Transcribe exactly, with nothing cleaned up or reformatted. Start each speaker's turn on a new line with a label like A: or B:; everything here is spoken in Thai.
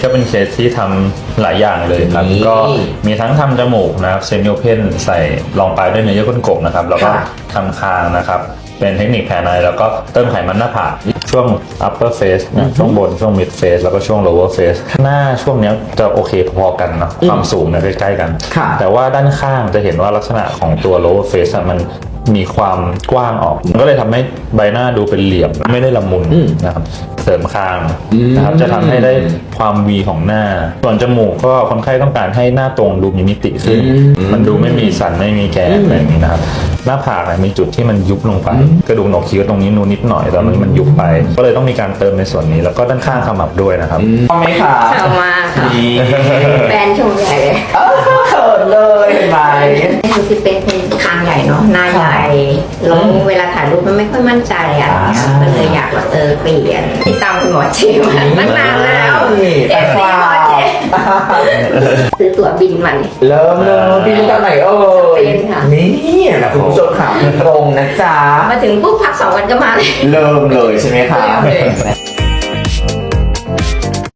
A: ก็เป็นเคสที่ทำหลายอย่างเลยครับก็มีทั้งทำจมูกนะครับเซมิโอเพนใส่รองปลายด้วยเนื้อเยื่อก้นกบนะครับแล้วก็ทำคางนะครับเป็นเทคนิคแผนในแล้วก็เติมไขมันหน้าผากช่วง upper face นะช่วงบนช่วง mid face แล้วก็ช่วง lower face หน้าช่วงนี้จะโอเคพอๆกันเนาะความสูงเนี่ยใกล้ๆกันแต่ว่าด้านข้างจะเห็นว่าลักษณะของตัว lower face มันมีความกว้างออกมันก็เลยทำให้ใบหน้าดูเป็นเหลี่ยมไม่ได้ละมุนนะครับเสริมคางนะครับจะทำให้ได้ความวีของหน้าส่วนจมูกก็คนไข้ต้องการให้หน้าตรงดูมีมิติขึ้นมันดูไม่มีสันไม่มีแกนอะไรอย่างนี้นะครับหน้าผากเนี่ยมีจุดที่มันยุบลงไปกระดูกโหนกคิ้วตรงนี้นูนนิดหน่อยแต่มันมันยุบไปก็เลยต้องมีการเติมในส่วนนี้แล้วก็ด้านข้างขมับด้วยนะครับ
B: ชอบไหมคะ
C: ชอบมากค่ะแฟนชมใหญ่เลย
B: เออเขินเลยเห็นไหม
C: คือพี่เป็นเป็นคางใหญ่เนาะหน้าใหญ่แล้วเวลาถ่ายรูปมันไม่ค่อยมั่นใจอ่ะก็เลยอยากว่าเออเปลี่ยนที่ตามคุณหมอเจมาตั้งนานแล้วเอฟซีหมอเจซื้อตั๋วบินมาเลย
B: เริ่มเลยบินตอนไหนเอ่ย
C: เป็นค่ะ
B: นี่นะคุณผู้ชมค่ะตรงนะจ๊ะ
C: มาถึงปุ๊บพักสองวันก็มาเลย
B: เริ่มเลยใช่ไหมคะ